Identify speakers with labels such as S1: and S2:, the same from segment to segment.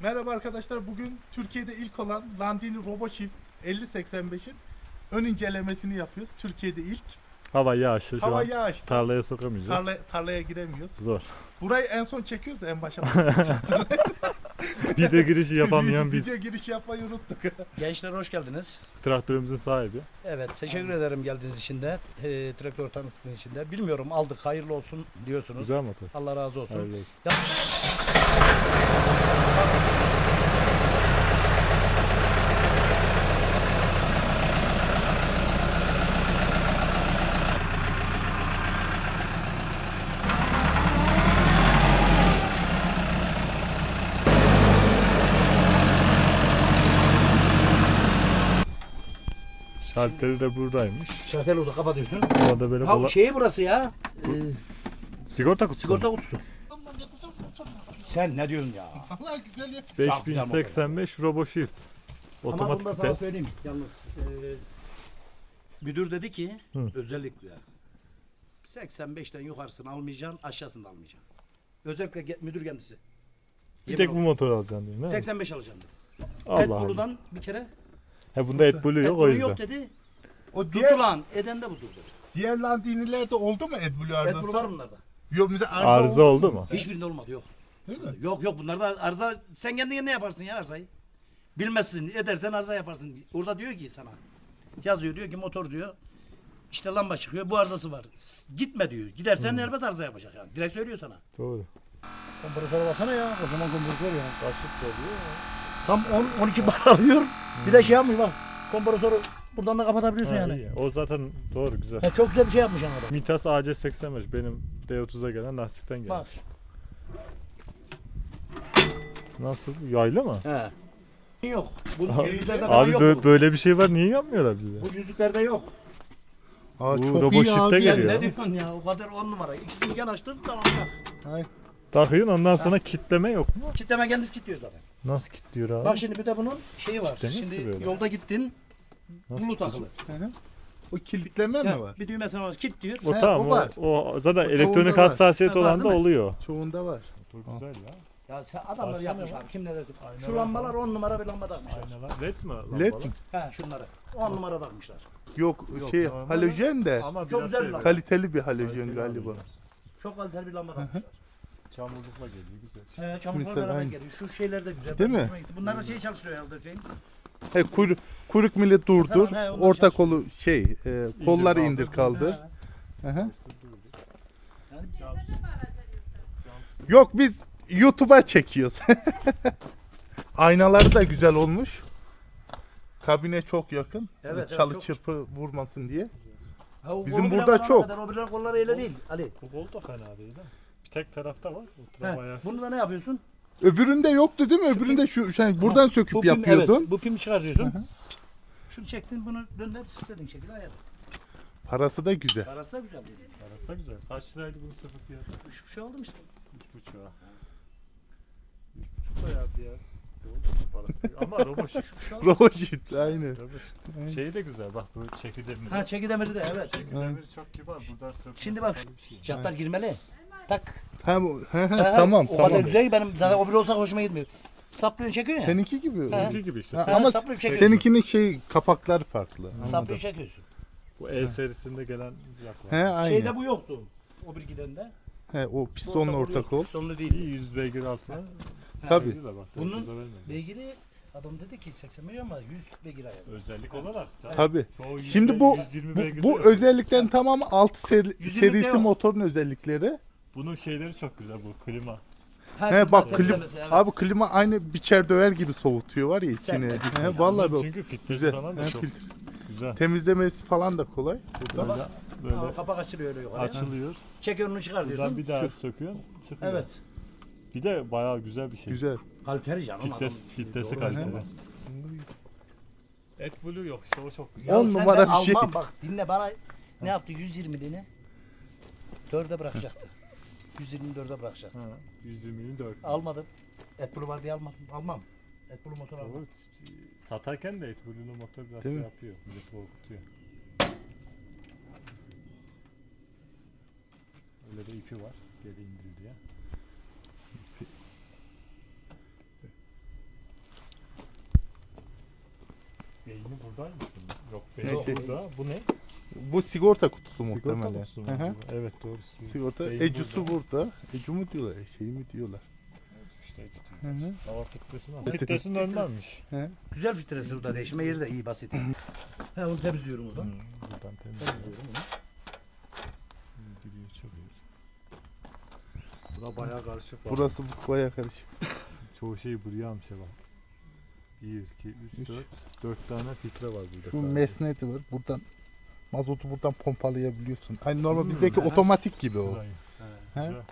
S1: Merhaba arkadaşlar. Bugün Türkiye'de ilk olan Landini RoboShift 5085'in ön incelemesini yapıyoruz. Türkiye'de ilk.
S2: Hava yağışlı şu
S1: Hava
S2: an.
S1: yağıştı.
S2: Tarlaya sokamayacağız.
S1: Tarlaya giremiyoruz.
S2: Zor.
S1: Burayı en son çekiyoruz da en başa.
S2: Video girişi yapamayan biz.
S1: Video girişi yapmayı unuttuk.
S3: Gençler hoş geldiniz.
S2: Traktörümüzün sahibi.
S3: Evet, teşekkür ederim geldiğiniz için de. Traktör tanıtınız için de. Bilmiyorum, aldık, hayırlı olsun diyorsunuz.
S2: Güzel motor.
S3: Allah razı olsun.
S2: Hayırlı olsun. Şalteri de buradaymış.
S3: Şartel orada kapatıyorsun.
S2: Orada böyle
S3: Ha şeyi burası ya.
S2: sigorta kutusu.
S3: Sigorta kutusu. Sen ne diyorsun ya?
S1: Allah güzel ya.
S2: 5085 RoboShift.
S3: Ama
S2: Otomatik
S3: bunu da sana
S2: vites.
S3: söyleyeyim yalnız. Müdür dedi ki özellikle 85'ten yukarısını almayacaksın, aşağısını da almayacaksın. Özellikle müdür kendisi.
S2: Bir tek bu motoru alacaksın değil mi?
S3: 85 alacaksın dedi.
S2: Allah Allah.
S3: AdBlue'dan bir kere
S2: He bunda AdBlue yok o
S3: AdBlue
S2: yüzden.
S3: yok dedi.
S1: O diğer,
S3: Tutulan eden de budur dedi.
S1: diğer Landini'lerde oldu mu AdBlue arızası?
S3: AdBlue var bunlarda.
S1: Yok mesela
S2: Arıza oldu mu?
S3: Hiçbirinde olmadı yok.
S1: Değil mi?
S3: Yok bunlarda arıza sen kendin ne yaparsın ya arzayı? Bilmezsin edersen arıza yaparsın. Orada diyor ki sana yazıyor diyor ki motor diyor işte lamba çıkıyor bu arızası var. Gitme diyor. Gidersen elbet arıza yapacak yani. Direkt söylüyor sana.
S2: Doğru.
S3: Kompresöre baksana ya. O zaman kompresör ya. Kaçlık oluyor ya. Tam 12 bar alıyor. Bir de şey yapmıyor bak. Kompresörü buradan da kapatabiliyorsun
S2: Ha,
S3: yani.
S2: iyi. O zaten doğru güzel.
S3: Ya çok güzel bir şey yapmış yani adam.
S2: Mitas AC85 benim D30'a gelen lastikten
S3: Bak.
S2: gelmiş. Nasıl? Yaylı mı?
S3: He. Yok. Bu yüzlerde falan
S2: Abi
S3: yok.
S2: böyle bir şey var niye yapmıyorlar bize?
S3: Bu yüzlüklerde yok.
S1: Aa,
S2: Bu
S1: çok iyi
S2: RoboShift'te
S1: abi.
S2: geliyor.
S3: Sen
S2: ya.
S3: ne diyorsun ya? O kadar 10 numara. İkisini yanaştır tamam.
S1: Ay.
S2: Takıyorsun ondan sonra kitleme yok mu?
S3: Kitleme kendisi kilitliyor zaten.
S2: Nasıl kilitliyor abi?
S3: Bak şimdi bir de bunun şeyi var.
S2: Kitlemez
S3: Şimdi
S2: ki böyle.
S3: yolda gittin.
S2: Nasıl
S3: Bulu takılı.
S1: Hı hı. O kilitleme
S3: Ya,
S1: mi var?
S3: bir düğmesine var. Kilitliyor.
S2: O
S1: He,
S2: tamam
S1: o var.
S2: o zaten
S1: O
S2: elektronik
S1: çoğunda var.
S2: hassasiyet
S3: Ha, var
S2: olan da
S3: değil mi?
S2: oluyor.
S1: Çoğunda var.
S2: Çok güzel ya.
S3: Ya sen adamlar
S2: Başka
S3: yapmış
S2: ne var?
S3: abi. Kim ne dersin?
S2: Aynalar
S3: Şu lambalar
S2: var.
S3: 10 numara bir lamba takmışlar.
S2: Aynalar. LED mi? Lambalar?
S1: LED mi?
S3: He şunları. 10 numara takmışlar.
S1: Yok,
S2: Yok,
S1: şey
S2: normal
S1: halojen de
S2: Ama
S3: Çok
S2: biraz
S3: güzel
S2: şey
S3: lan.
S2: var.
S1: kaliteli bir halojen
S2: Kaliteli
S1: galiba.
S2: halojen.
S3: Çok kaliteli bir lamba takmışlar.
S2: Çamurlukla geliyor güzel.
S3: Çamurlar
S1: Mesela
S3: beraber
S1: aynı.
S3: geliyor. Şu şeyler de güzel.
S1: Değil
S3: Benim
S1: mi?
S3: hoşuma gitti. Bunlar da şey çalıştırıyor herhalde Hüseyin.
S1: He, kuyruk millet durdur.
S3: Tamam, he, onlar
S1: Orta
S3: çalışıyor.
S1: kolu kolları
S2: kaldır,
S1: indir kaldır.
S3: He.
S1: Hı hı.
S3: Yani
S1: Yok biz YouTube'a çekiyoruz. Aynaları da güzel olmuş. Kabine çok yakın.
S3: Evet,
S1: Çalı
S3: çok.
S1: çırpı vurmasın diye.
S3: Ha, o
S1: Bizim
S3: kolu bile
S1: burada
S3: var
S1: çok.
S3: kadar, o bilen kolları öyle değil Ali.
S2: Bu kol da fena değil ha. Bir tek tarafta var. O
S3: He.
S2: taraf ayarsız.
S3: Bunu da ne yapıyorsun?
S1: Öbüründe yoktu değil mi? Öbüründe şu sen buradan söküp
S3: Bu pim,
S1: yapıyordun.
S3: Evet, bu pimi çıkartıyorsun.
S1: Hı hı.
S3: Şunu çektin bunu dönder istediğin şekilde ayar.
S1: Parası da güzel.
S3: Parası da güzel değil.
S2: Arası da güzel. Kaç liraydı bunun sıfır fiyatı?
S3: Şu şey oldu mu işte?
S2: 3,5'a. 3,5 da ya bir yer. Doğru parası değil. Ama RoboShift.
S1: RoboShift aynı.
S2: RoboShift. Şeyi de güzel bak bu çekidemir.
S3: Ha çekidemiri de evet.
S2: Çekidemir çok kibar. Buradan sökmesi
S3: Şimdi bak
S2: falan bir şey.
S3: jantlar girmeli. Tak.
S1: Ha,
S3: Ha,
S1: tamam
S3: o kadar
S1: tamam.
S3: güzel ki benim zaten o bile olsa hoşuma gitmiyor. Saplıyorsun çekiyorsun ya.
S1: Seninki gibi.
S3: He.
S2: Bizimki gibi işte.
S1: Ha,
S3: Ha,
S1: ama
S3: saplayıp çekiyorsun.
S1: seninkinin kapaklar farklı. Anladım.
S3: Saplıyorsun çekiyorsun.
S2: Bu E serisinde gelen
S1: He
S2: yaklar.
S1: aynı.
S3: Şeyde bu yoktu. O bir gidende.
S1: He, o pistonla orta kol.
S3: Pistonlu değil.
S2: İyi 100 beygir altına.
S1: Tabii.
S2: Güzel bak.
S3: Bunun
S2: 9'a vermedim.
S3: beygiri adam dedi ki 80 milyon ama 100 beygir ayarı.
S2: Özellik olarak. canım.
S1: Tabii.
S2: Çoğu 100
S1: Şimdi bu
S2: 120
S1: bu,
S2: beygir
S1: bu
S2: de yok.
S1: özelliklerin tamamı alt
S3: 120'de
S1: serisi
S3: yok.
S1: motorun özellikleri.
S2: Bunun şeyleri çok güzel bu klima.
S1: He bak klima,
S3: temizlemesi, evet.
S1: abi klima aynı biçer döver gibi soğutuyor var ya
S3: Sen
S1: içini.
S3: de-
S1: He, vallahi bak.
S2: Çünkü filtresi
S1: Güzel.
S2: falan da
S1: He,
S2: çok güzel.
S1: temizlemesi falan da kolay.
S2: Burada
S3: Ha,
S2: böyle
S3: kapak açılıyor öyle yukarıya.
S2: açılıyor.
S3: Çekiyor onu çıkar
S2: Buradan
S3: diyorsun.
S2: bir daha söküyorsun. Çıkıyor.
S3: Evet.
S2: Bir de bayağı güzel bir şey.
S1: Güzel.
S3: Kaliteli canım adam.
S2: Filtresi
S3: Doğru.
S2: kaliteli.
S1: Hı.
S2: AdBlue yok. Şu çok güzel.
S3: Ya
S1: 10
S3: sen de
S1: numara bir şey.
S3: Alman bak dinle bana ne yaptı 120'liğini 4'e bırakacaktı. 124'e bırakacaktı.
S2: Ha, 120'nin 4.
S3: Almadım. AdBlue var diye almadım. Almam. AdBlue motor almam.
S2: Doğru. Satarken de AdBlue'nun motor biraz
S1: Değil
S2: şey
S1: mi?
S2: yapıyor. Milleti korkutuyor. Öyle de ipi var. Geri indir diye. Beyni buradaymış bunun. Yok beyni
S1: Yok.
S2: burada. Bu ne?
S1: Bu sigorta kutusu
S2: Sigorta
S1: muhtemelen.
S2: kutusu mu
S1: Hı hı.
S2: acaba? Evet doğru.
S1: Sigorta
S2: Beyin
S1: ecusu burada. Ecu mu diyorlar? Şey mi diyorlar?
S2: Evet, işte
S1: Hı hı.
S2: hava filtresi nasıl? Filtresinin önlenmiş.
S1: He.
S3: Güzel filtresi burada değişme yeri de iyi basit. He onu temizliyorum buradan.
S2: Buradan temizliyorum.
S3: Temizliyorum onu.
S2: Giriyor çok iyi. Bura bayağı karışık. var.
S1: Burası bayağı karışık.
S2: Çoğu şey buraya almış bak. 1, 2, 3, 4. 4 tane filtre var burada
S1: Şu
S2: sadece.
S1: mesneti var. Buradan mazotu buradan pompalayabiliyorsun. Aynı normal bizdeki
S3: hı.
S1: otomatik gibi o.
S2: Burayı.
S1: He.
S2: Güzel.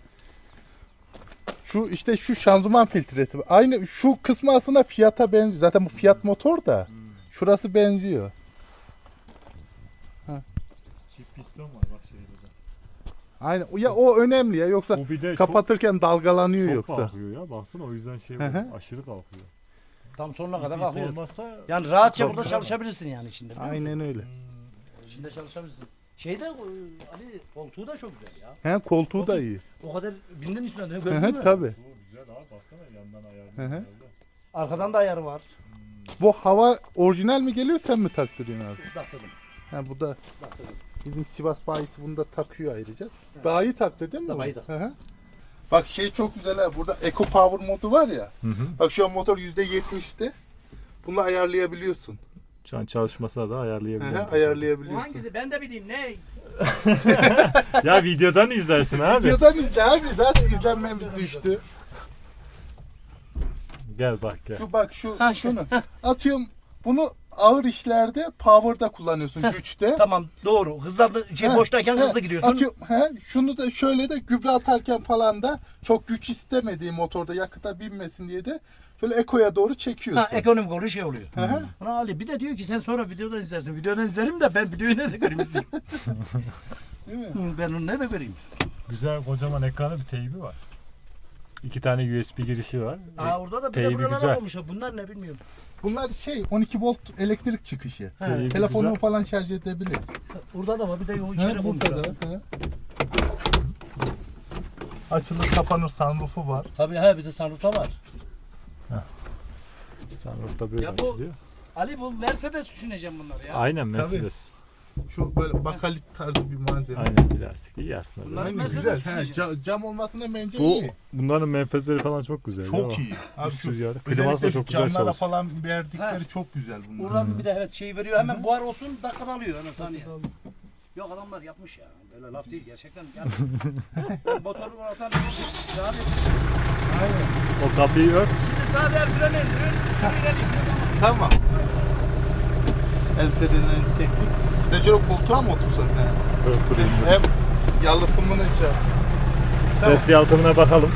S1: Şu işte şu şanzıman filtresi. Aynı şu kısmı aslında Fiat'a benziyor. Zaten bu Fiat motor da. Şurası benziyor.
S2: Çift piston var bak şeyde de.
S1: Aynen. Ya o önemli ya. Yoksa
S2: Bu bir de
S1: kapatırken dalgalanıyor
S2: çok
S1: yoksa.
S2: kalkıyor ya. Baksana o yüzden şey
S1: Hı hı.
S2: var, aşırı kalkıyor.
S3: Tam sonuna kadar
S2: İp
S3: kalkıyor.
S2: olmazsa
S3: Yani rahatça
S2: Tabii,
S3: burada
S2: tabii.
S3: çalışabilirsin yani içinde. biliyor musun?
S1: Aynen öyle.
S3: İçinde çalışabilirsin. Şeyde Ali koltuğu da çok güzel ya.
S1: He, koltuğu da iyi.
S3: O kadar bindin üstüne de
S1: Hı
S3: gördün
S1: hı,
S3: mü?
S1: tabii.
S2: Bu güzel abi baksana yandan ayarlıyor.
S1: Hı hı.
S2: herhalde.
S3: Arkadan da ayarı var.
S1: Bu hava orijinal mi geliyor sen mi taktırıyorsun abi?
S3: Taktırdım.
S1: Ha bu da
S3: Taktırdım.
S1: bizim Sivas bayisi bunu da takıyor ayrıca. Bayi taktı değil mi? bu?
S3: Bayi taktı.
S1: Hı hı. Bak şey çok güzel ha. Burada Eco Power modu var ya.
S2: Hı hı.
S1: Bak şu an motor %70'te. Bunu ayarlayabiliyorsun.
S2: Şu an çalışmasına da
S1: Hı
S2: ayarlayabilirim.
S1: hı,
S3: Bu
S1: ayarlayabiliyorsun.
S3: hangisi? Ben de bileyim ne?
S2: Ya videodan izlersin abi.
S1: Videodan izle abi. Zaten izlenmemiz düştü.
S2: Gel bak gel.
S1: Şu bak şu
S3: Ha, işte.
S1: şunu. Atıyorum bunu ağır işlerde power'da kullanıyorsun güçte.
S3: Tamam doğru. Hızlı
S1: He,
S3: boştayken
S1: he,
S3: hızlı gidiyorsun.
S1: Atıyorum, şunu da şöyle de gübre atarken falan da çok güç istemediği motorda yakıta binmesin diye de şöyle ekoya doğru çekiyorsun.
S3: Ha, ekonomik oluyor şey oluyor.
S1: Hı hı.
S3: Buna Ali bir de diyor ki sen sonra videodan izlersin. Videodan izlerim de ben videoyu nerede göreyim izleyeyim.
S1: Değil mi?
S3: Hı, ben onu nerede göreyim?
S2: Güzel kocaman ekranı bir teybi var. 2 tane USB girişi var.
S3: Aa orada da bir de
S2: teybi
S3: buralara
S2: güzel.
S3: olmuşlar. Bunlar ne bilmiyorum.
S1: Bunlar 12 volt elektrik çıkışı.
S2: Teybi
S1: Telefonunu
S2: güzel.
S1: falan şarj edebilir.
S3: Orada da var bir de o içeri
S1: He, burada
S3: koymuşlar.
S1: da. He. Açılır kapanır sunroofu var.
S3: Tabii he bir de sunroof'ta var.
S2: Sunroof'ta böyle
S3: Ya bu-
S2: açılıyor.
S3: Ali bu Mercedes düşüneceğim bunları ya.
S2: Aynen Mercedes.
S1: Şu böyle bakalit tarzı bir malzeme.
S2: Aynen plastik. İyi aslında.
S3: Bunlar-
S1: Aynen,
S3: Mercedes
S1: güzel. He,
S3: düşüneceğim.
S1: cam olmasına bence
S2: Bu
S1: iyi.
S2: bunların menfezleri falan çok güzel.
S1: Çok
S2: ya.
S1: iyi. Abi şu
S2: Rüzgarda. Kliması da
S1: özellikle
S2: çok
S1: şu
S2: güzel
S1: camlara
S2: çalışıyor.
S1: falan verdikleri
S3: He.
S1: çok güzel bunlar.
S3: Buradan bir de evet şey veriyor hemen buhar olsun dakikada alıyor hemen saniye. Yok adamlar yapmış ya. Böyle laf değil gerçekten. Yani, ben motoru ortadan yani
S1: Aynen.
S2: O kapıyı ört.
S3: şimdi sağ ver freni indiriyor. Şunu ilerliyor.
S1: Tamam. El freninden çektik. İşte şöyle koltuğa mı otursak? He.
S2: Örtülü.
S1: Hem yalıtımını şey. Tamam.
S2: Ses yalıtımına bakalım.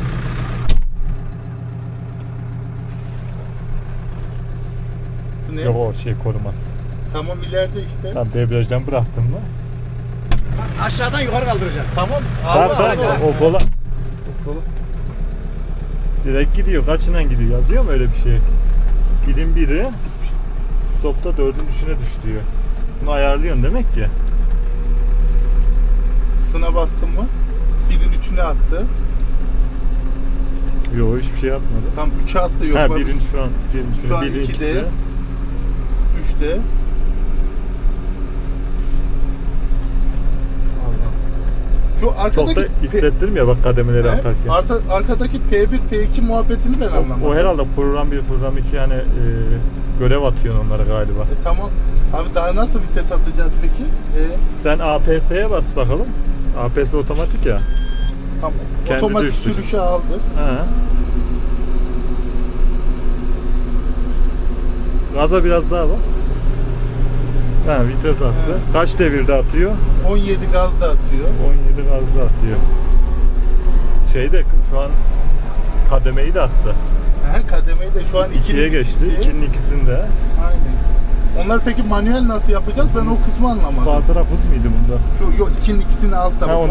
S1: Bu ne?
S2: Yok o şey koruması.
S1: Tamam ileride işte.
S2: Tam debriyajdan bıraktım mı?
S3: Aşağıdan yukarı kaldıracak.
S1: Tamam.
S2: Tamam tamam o kola direkt gidiyor. Kaçından gidiyor? Yazıyor mu öyle bir şey? Gidin biri stopta dördüncüsüne düş diyor. Bunu ayarlıyorsun demek ki.
S1: Şuna bastım mı? Birin üçüne attı.
S2: Yok hiçbir şey yapmadı.
S1: Tam 3'e attı. Yok,
S2: Ha
S1: bak,
S2: birin şu an
S1: Şu an
S2: birin
S1: 2'de.
S2: ikisi.
S1: 3'te. Şu
S2: Çok
S1: arkadaki
S2: da hissettirmiyor bak kademeleri
S1: He?
S2: atarken.
S1: Arkadaki P1, P2 muhabbetini ben anlamadım.
S2: O herhalde program 1, program 2 yani görev atıyorsun onlara galiba.
S1: Tamam. Abi daha nasıl vites atacağız peki?
S2: Sen APS'ye bas bakalım. APS otomatik ya.
S1: Tamam.
S2: Kendi
S1: Otomatik
S2: düştü.
S1: sürüşe aldı.
S2: Ha. Gaza biraz daha bas. Ha vites attı.
S1: He.
S2: Kaç devirde atıyor?
S1: 17 gazda atıyor.
S2: 17 gazda atıyor. Şeyde şu an kademeyi de attı.
S1: Aha, kademeyi de şu an
S2: 2'ye geçti. 2'nin ikisinde.
S1: Aynen. Onlar peki manuel nasıl yapacağız? Ben o kısmı anlamadım.
S2: Sağ taraf hız mıydı bunda?
S1: Şu yok 2'nin ikisini altta.
S2: Ha, 13.2.
S1: 13.2.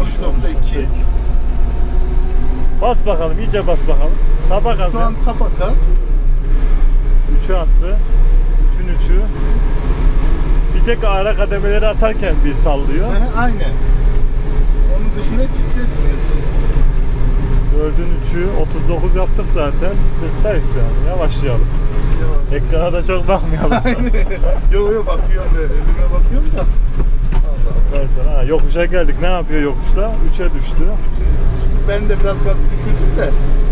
S2: Bas bakalım, iyice bas bakalım. Tapa gazı.
S1: Şu an tapa gaz.
S2: 3'ü attı. 3'ün 3'ü. Bir tek ara kademeleri atarken bir sallıyor.
S1: Aha, aynen. Onun dışında hiç hissetmiyorsun.
S2: 4'ün 3'ü 39 yaptık zaten. 40'tayız şu an. Yavaşlayalım. Ekrana da çok bakmayalım.
S1: Yo bakıyorum elime bakıyorum da.
S2: Ben sana yokuşa geldik. Ne yapıyor yokuşta? 3'e düştü.
S1: Ben de biraz gaz düşürdüm de.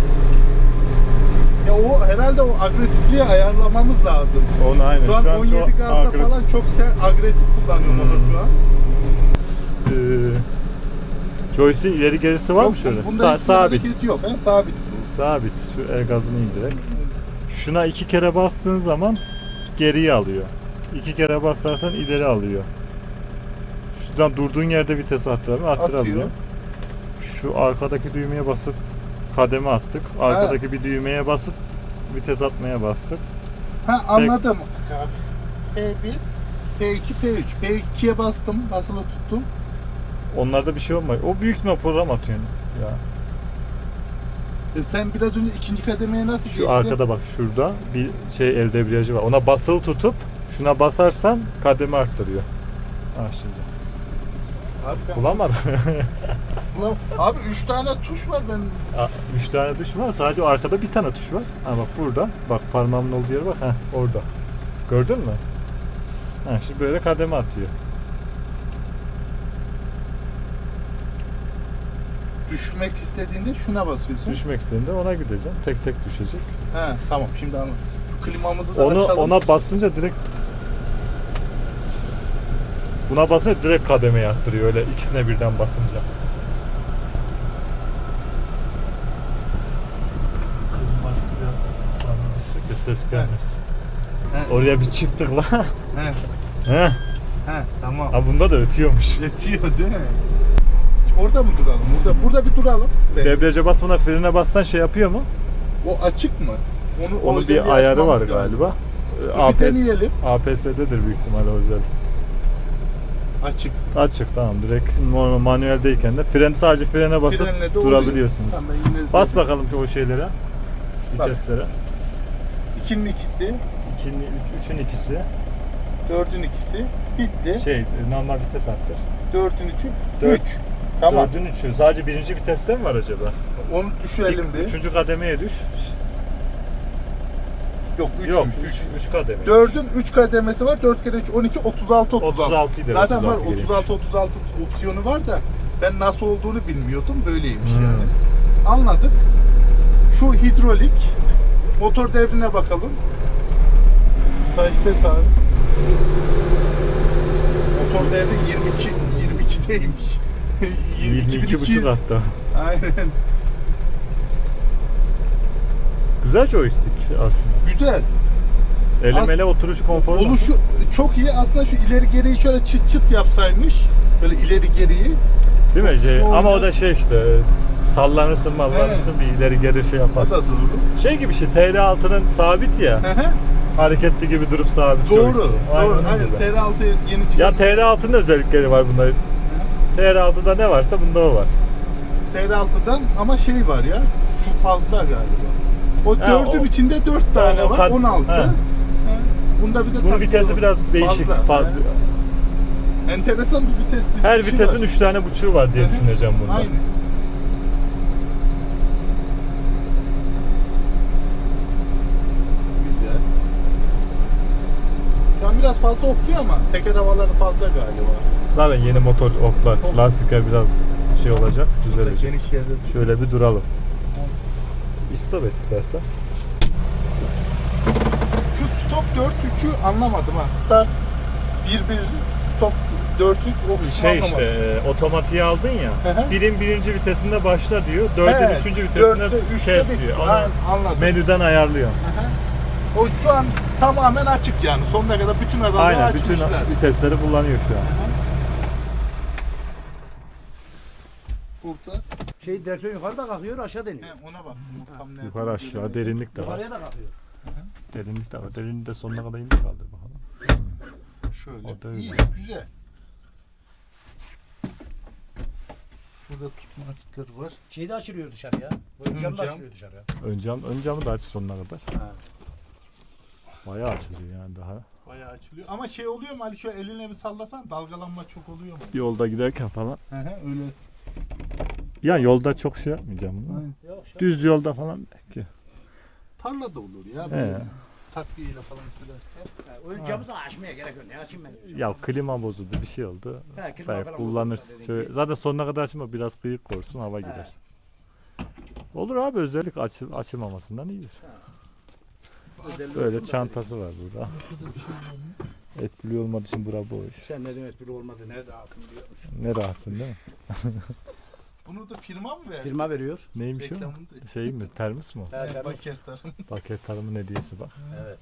S1: Ya o herhalde o agresifliği ayarlamamız lazım.
S2: Onu aynen.
S1: Şu an 17 gazda falan çok sert agresif kullanıyor motor şu an.
S2: Joystick ileri gerisi var mı şöyle?
S1: Bunda hiçbir
S2: Sabit.
S1: hareket yok. Sabit.
S2: Sabit. Şu el gazını indirek. Şuna 2 kere bastığın zaman geriye alıyor. 2 kere basarsan ileri alıyor. Şuradan durduğun yerde vites arttırabiliyor.
S1: Atıyor.
S2: Şu arkadaki düğmeye basıp kademe attık. Arkadaki bir düğmeye basıp vites atmaya bastık.
S1: Ha anladım. P1, P2, P3. P2'ye bastım. Basılı tuttum.
S2: Onlarda bir şey olmuyor. O büyük ihtimal program atıyorsun ya.
S1: Sen biraz önce ikinci kademeye nasıl geçtin?
S2: Şu arkada bak şurada bir şey el debriyajı var. Ona basılı tutup şuna basarsan kademe arttırıyor. Ha şimdi.
S1: Abi,
S2: Bulamadım.
S1: abi 3 tane tuş var ben.
S2: 3 tane tuş var. Sadece o arkada bir tane tuş var. Ha bak burada. Bak parmağımın olduğu yere bak. Heh orada. Gördün mü? Ha şimdi böyle kademe atıyor.
S1: Düşmek istediğinde şuna basıyorsun.
S2: Düşmek istediğinde ona gideceksin. Tek tek düşecek.
S1: He tamam şimdi anladım. Şu klimamızı da
S2: Onu
S1: açalım.
S2: ona basınca direkt buna basınca direkt kademeye arttırıyor öyle ikisine birden basınca. Ses gelmez.
S1: He.
S2: Oraya bir çift tıkla.
S1: He.
S2: He.
S1: He tamam.
S2: Ha bunda da ötüyormuş.
S1: Yetiyor değil mi? Orada mı duralım? Burada bir duralım.
S2: Debriyaja basmadan frene bassan şey yapıyor mu?
S1: O açık mı?
S2: Onun
S1: özelliği
S2: bir ayarı var
S1: açmamız lazım.
S2: galiba.
S1: Bir deneyelim.
S2: APS'dedir büyük ihtimalle o özellik.
S1: Açık.
S2: Açık tamam direkt normal manueldeyken de sadece frene basıp
S1: Frenle de
S2: durabiliyorsunuz.
S1: oluyor. Tamam, ben yine
S2: Bas bakalım şu o şeylere.
S1: Bak.
S2: Viteslere.
S1: 2'nin ikisi,
S2: 3'ün ikisi.
S1: 4'ün ikisi bitti.
S2: Normal vites arttır.
S1: 4'ün 3'ü
S2: Dört.
S1: 3. Tamam.
S2: 4'ün 3'ü. Sadece birinci viteste mi var acaba?
S1: Onu düşürelim bir.
S2: 3. kademeye düş.
S1: Yok 3'müş.
S2: Yok 3 kademe.
S1: 4'ün 3 kademesi var. 4 kere 3 12 36
S2: 36 'ydı,
S1: Zaten
S2: 36
S1: var 36 opsiyonu var da ben nasıl olduğunu bilmiyordum. Böyleymiş yani. Anladık. Şu hidrolik motor devrine bakalım. Kaçta abi? Motor devri 22'deymiş.
S2: 22,5 hatta.
S1: Aynen.
S2: Güzel joystick aslında.
S1: Güzel.
S2: Ele oturuşu konforu nasıl?
S1: Oluşu çok iyi. Aslında şu ileri geriyi şöyle çıt çıt yapsaymış. Böyle ileri geriyi.
S2: Değil mi?
S1: Olsun
S2: Ama
S1: oluyor.
S2: o da şey işte sallanırsın bir ileri geri şey yapar.
S1: O da doğru.
S2: Şey gibi işte TR6'nın sabit ya. Hareketli gibi durup sabit
S1: Doğru.
S2: joystick.
S1: Doğru.
S2: onun
S1: Aynen.
S2: gibi.
S1: TR6 yeni çıkan.
S2: Ya TR6'nın özellikleri var bunda. TR6'da ne varsa bunda o var.
S1: TR6'dan ama şey var ya. Şu fazla galiba. O
S2: Ha,
S1: 4'ün içinde 4 tane
S2: o
S1: var.
S2: kad-
S1: 16.
S2: Ha.
S1: Bunda bir de
S2: Bunun
S1: takılı
S2: vitesi biraz değişik.
S1: fazla. Enteresan bir vites dizilişi
S2: Her vitesin
S1: var.
S2: 3 tane buçuğu var diye
S1: Hı hı.
S2: düşüneceğim bunda.
S1: Aynen. Güzel. Şu an biraz fazla okluyor ama teker havaları fazla galiba.
S2: Zaten yeni motor oklar, lastikler biraz şey olacak, düzelecek.
S1: Geniş yerde.
S2: Şöyle bir duralım. İstop et istersen.
S1: Şu stop 4-3'ü anlamadım ha. Start 1-1 stop 4-3 o kısmı
S2: Şey
S1: anlamadım.
S2: işte otomatiğe aldın ya.
S1: Hı hı.
S2: Birin birinci vitesinde başla diyor. Dördün
S1: Evet,
S2: üçüncü vitesinde
S1: dörtte, üçte
S2: kes
S1: bitti.
S2: diyor. Onu
S1: Aynen, anladım.
S2: menüden ayarlıyor.
S1: Hı hı. O şu an tamamen açık yani. Sonuna kadar bütün aralığı
S2: Aynen bütün
S1: açmışlar.
S2: vitesleri kullanıyor şu an.
S1: Burada.
S3: Direksiyon yukarıda kalkıyor aşağı deniyor.
S1: Ona bak. Tam nerede
S2: Yukarı aşağı derinlik de var.
S3: Yukarıya da kalkıyor.
S2: Derinlik de var. Derinliği de sonuna kadar indir kaldır bakalım.
S1: Şöyle.
S2: O da öyle.
S1: İyi, güzel. Şurada tutma açıkları var.
S3: Şeyi de açılıyor dışarıya. Ön cam da
S1: cam.
S3: açılıyor dışarıya.
S2: Ön camı da aç sonuna kadar.
S3: Ha.
S2: Bayağı açılıyor yani daha.
S1: Bayağı açılıyor. Ama şey oluyor mu Ali şöyle eline bir sallasan dalgalanma çok oluyor mu?
S2: Yolda giderken falan.
S1: Hı hı öyle.
S2: Yani yolda çok şey yapmayacağım. bunu.
S3: Yok, şu-
S2: Düz yolda falan belki.
S1: Tarla da olur ya.
S2: He.
S1: Böyle takviyeyle falan sürerken.
S3: Ön camı da açmaya gerek yok. Ne açayım ben?
S2: Ya klima bozuldu, bir şey oldu.
S3: He, klima
S2: Belki
S3: falan
S2: kullanırsın.
S3: bozulursa dediğin gibi.
S2: Zaten sonuna kadar açma, biraz kıyık korsun, hava girer. Olur abi, özellik açılmamasından iyidir.
S3: Özelliği
S2: Böyle
S3: olsun da
S2: çantası var burada. Etkili olmadığı için bura boş.
S3: dedi. Sen ne demek biri olmadı. Nerede altın biliyor musun?
S2: Ne rahatsın değil mi?
S1: Bunu da firma mı verdi?
S3: Firma veriyor.
S2: Neymiş o?
S1: Reklamını da.
S2: Şey mi? Termos mu?
S3: Evet,
S1: Evet,
S3: evet.
S1: paketler.
S2: Paket tarımın hediyesi bak.
S3: Evet.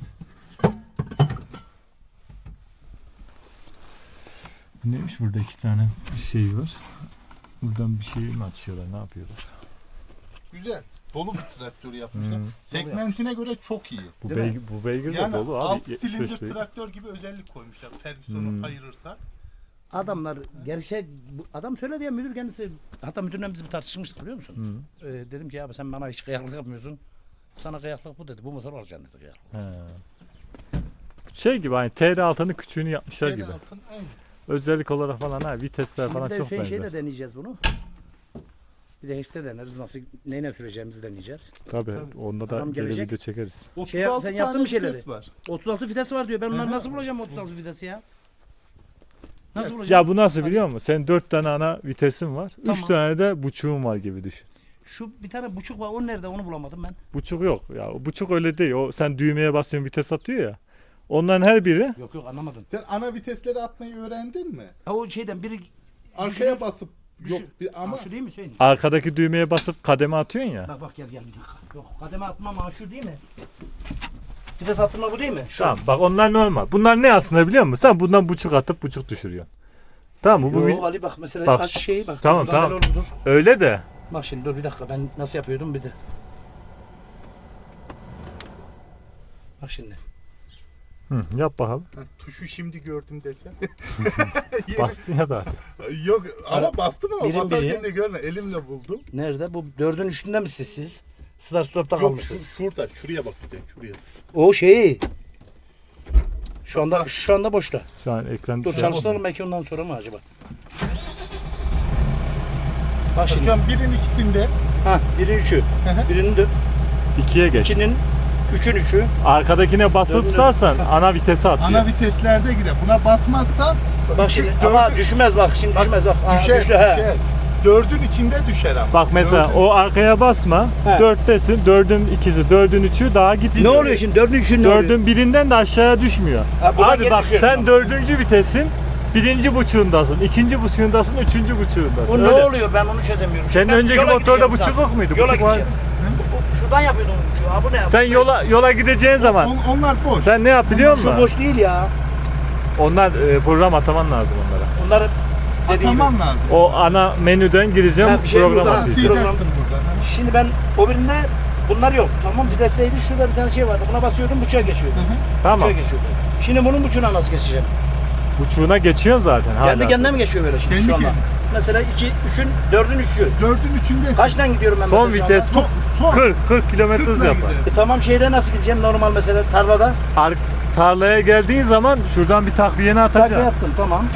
S2: Neymiş, burada iki tane şey var. Buradan bir şey mi açıyorlar, ne yapıyorlar?
S1: Güzel. Dolu bir traktör yapmışlar.
S2: Hmm.
S1: Segmentine göre çok iyi.
S2: Bu
S3: Değil mi?
S2: beygir, bu beygir de
S1: Yani
S2: dolu abi.
S1: 6
S2: 75
S1: silindir
S2: beygir.
S1: traktör gibi özellik koymuşlar. Ferguson'u
S2: Hmm.
S1: ayırırsak.
S3: Adamlar gerçek adam söyledi ya, müdür kendisi, hatta müdürle biz bir tartışmıştık biliyor musun?
S2: Hı.
S3: Dedim ki abi sen bana hiç kıyaklık yapmıyorsun. Sana kıyaklık bu dedi. Bu motor alacaksın dedi kıyaklık.
S2: He. Şey gibi, hani TR6'nın küçüğünü yapmışlar
S1: Şeyle
S2: gibi.
S1: altın aynı.
S2: Özellik olarak falan, ha vitesler falan
S3: Bir de
S2: çok
S3: Hüseyin
S2: benzer.
S3: şeyle deneyeceğiz bunu. Bir de hiçte deneriz. Nasıl neyle süreceğimizi deneyeceğiz.
S2: Tabii, onda da
S3: Adam
S2: geri
S3: gelecek.
S2: video çekeriz.
S1: 36
S3: sen yaptın
S1: tane
S3: mı şeyleri?
S1: vites var.
S3: 36 vites var diyor. Ben onları
S1: Hı hı.
S3: nasıl bulacağım 36 vitesi ya? Nasıl bulacağım?
S2: Ya bu nasıl biliyor musun? Senin 4 tane ana vitesin var. 3
S3: Tamam.
S2: tane de buçuğun var gibi düşün.
S3: Şu bir tane buçuk var. O nerede? Onu bulamadım ben.
S2: Buçuk yok. Ya o buçuk öyle değil. O sen düğmeye basıyorsun, vites atıyor ya. Onların her biri
S3: Yok yok anlamadım.
S1: Sen ana vitesleri atmayı öğrendin mi?
S3: Ha o şeyden biri
S1: Arkaya basıp yok ama
S3: şu değil mi Hüseyin?
S2: arkadaki düğmeye basıp kademe atıyorsun ya.
S3: Bak bak gel bir dakika. Yok kademe atmam ha şu değil mi? Vites attırma bu değil mi? Şu.
S2: Tamam, bak onlar normal. Bunlar ne aslında biliyor musun? Sen bundan buçuk atıp buçuk düşürüyorsun. Tamam mı? Bu
S3: Yok Ali bak mesela
S2: Bak,
S3: aç şeyi bak.
S2: tamam,
S3: Buradan
S2: tamam.
S3: böyle olur, dur.
S2: öyle de.
S3: Bak şimdi dur bir dakika ben nasıl yapıyordum bir de. Bak şimdi.
S2: Hı, yap bakalım.
S1: Ha, tuşu şimdi gördüm desem.
S2: Bastın ya da.
S1: Yok ama bastım ama
S3: Birim
S1: basarken
S3: biri.
S1: de görme elimle buldum.
S3: Nerede? Bu 4'ün üstünde misiniz siz? Start stop'ta
S1: Yok
S3: kalmışsınız.
S1: şurada şuraya bak bir de şuraya.
S3: O şeyi. Şu anda boşta.
S2: Şu an ekran
S3: Dur
S2: şey
S3: çalıştıralım belki ondan sonra mı acaba? Bak şimdi.
S1: Şu an birin ikisinde.
S3: Ha, biri üçü.
S1: hı.
S3: Birinin de
S2: 2'ye geç.
S3: ikinin üçün üçü.
S2: Arkadakine basılı
S3: Döndü.
S2: tutarsan ana vitese atıyor.
S1: Ana viteslerde gider. Buna basmazsan
S3: Bak şimdi ama düşmez bak şimdi düşmez bak. Aa,
S1: düşer,
S3: düştü, he.
S1: düşer. Dördün içinde düşer ama.
S2: Bak mesela
S1: Dördün-
S2: o arkaya basma.
S3: He.
S2: 4'tesin. 4'ün ikisi, 4'ün üçü daha gitmiyor.
S3: Ne oluyor şimdi? 4'ün üçü ne oluyor?
S2: 4'ün birinden de aşağıya düşmüyor.
S3: Ha, buradan
S2: Abi
S3: geri
S2: bak
S3: düşüyor.
S2: sen 4. vitesin. Birinci buçuğundasın, ikinci buçuğundasın, üçüncü buçuğundasın.
S3: Bu ne
S2: Öyle.
S3: oluyor ben onu çözemiyorum.
S2: Senin
S3: Ben
S2: önceki
S3: yola
S2: motorda
S3: gideceğim
S2: buçuk yok muydu?
S3: Yola
S2: Buçuk var.
S3: gideceğim. Şuradan yapıyordum buçuğu. Ha bu ne ya?
S2: Sen yola gideceğin zaman
S1: Onlar boş.
S2: sen ne yap biliyor musun?
S3: Şu boş değil ya.
S2: Onlar program ataman lazım onlara.
S3: Onları dediğim gibi.
S1: Ataman lazım.
S2: O ana menüden gireceğim,
S3: Ha, bir şey
S2: program
S3: burada.
S2: atayım.
S1: Atayacaksın burada.
S3: Şimdi ben o birinde bunlar yok. Tamam vitesteydi şurada bir tane şey vardı. Buna basıyordum buçuğa geçiyordu.
S2: Tamam.
S3: Buçuğa geçiyordu. Şimdi bunun buçuğuna nasıl geçeceğim?
S2: Buçuğuna geçiyorsun zaten.
S3: Kendi
S2: hala.
S3: kendine mi geçiyor böyle şimdi
S1: Kendi
S3: şu anda?
S1: kendine.
S3: Mesela 2, 3'ün, 4'ün 3'ü.
S1: Dördün üçündesin.
S3: Kaçtan gidiyorum ben
S2: Son
S3: mesela şu
S2: vites
S3: anda?
S1: Son.
S2: 40 kilometre hız
S1: 40'la
S2: yapar.
S1: gidersin.
S3: Tamam şeyde nasıl gideceğim normal mesela tarlada?
S2: Tarlaya geldiğin zaman şuradan bir takviyeni
S3: Takviye
S2: atacaksın.
S3: yaptım tamam.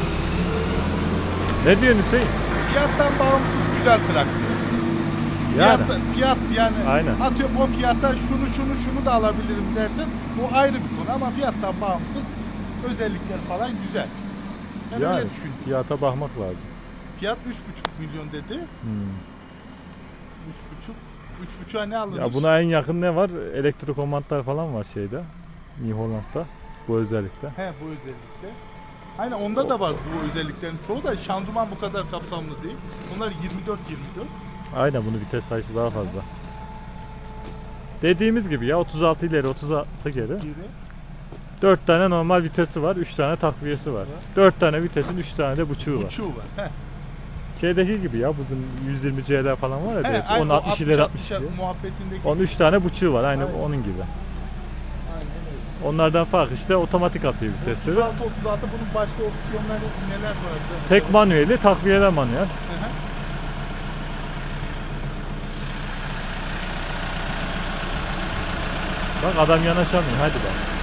S2: Ne diyorsun Hüseyin?
S1: Fiyattan bağımsız güzel traktör.
S2: Yani.
S1: Fiyat yani
S2: Aynen.
S1: atıyorum o fiyata şunu da alabilirim dersen bu ayrı bir konu ama fiyattan bağımsız özellikler falan güzel. Ben
S2: Yani
S1: öyle düşündüm.
S2: fiyata bakmak lazım.
S1: Fiyat 3,5 milyon dedi.
S2: Hmm.
S1: 3,5'a ne alınır?
S2: Ya buna en yakın ne var? Elektrokomandlar falan var şeyde. New Holland'da. Bu özellikle.
S1: He bu özellikle. Aynen onda da var bu özelliklerin çoğu da şanzıman bu kadar kapsamlı değil. Bunlar 24-24.
S2: Aynen, bunun vites sayısı daha fazla. Dediğimiz gibi ya, 36 ileri 36 geri.
S1: Geri.
S2: 4 tane normal vitesi var, 3 tane takviyesi var. 4 tane vitesin 3 tane de buçuğu var.
S1: Buçuğu var. He.
S2: Şeydeki gibi ya, bizim 120 CL falan var ya,
S1: He,
S2: direkt
S1: aynen
S2: 10
S1: o
S2: 60 ileri 60 ileri.
S1: muhabbetindeki.
S2: Onun 3 tane buçuğu var, aynı
S1: Aynen.
S2: onun gibi.
S1: Aynen öyle.
S2: Onlardan fark işte otomatik atıyor vitesleri.
S1: 36-36 bunun başka opsiyonları neler vardı?
S2: Tek manueli, takviyeler manuel.
S1: Hı hı.
S2: Bak adam yanaşamıyor, hadi bak.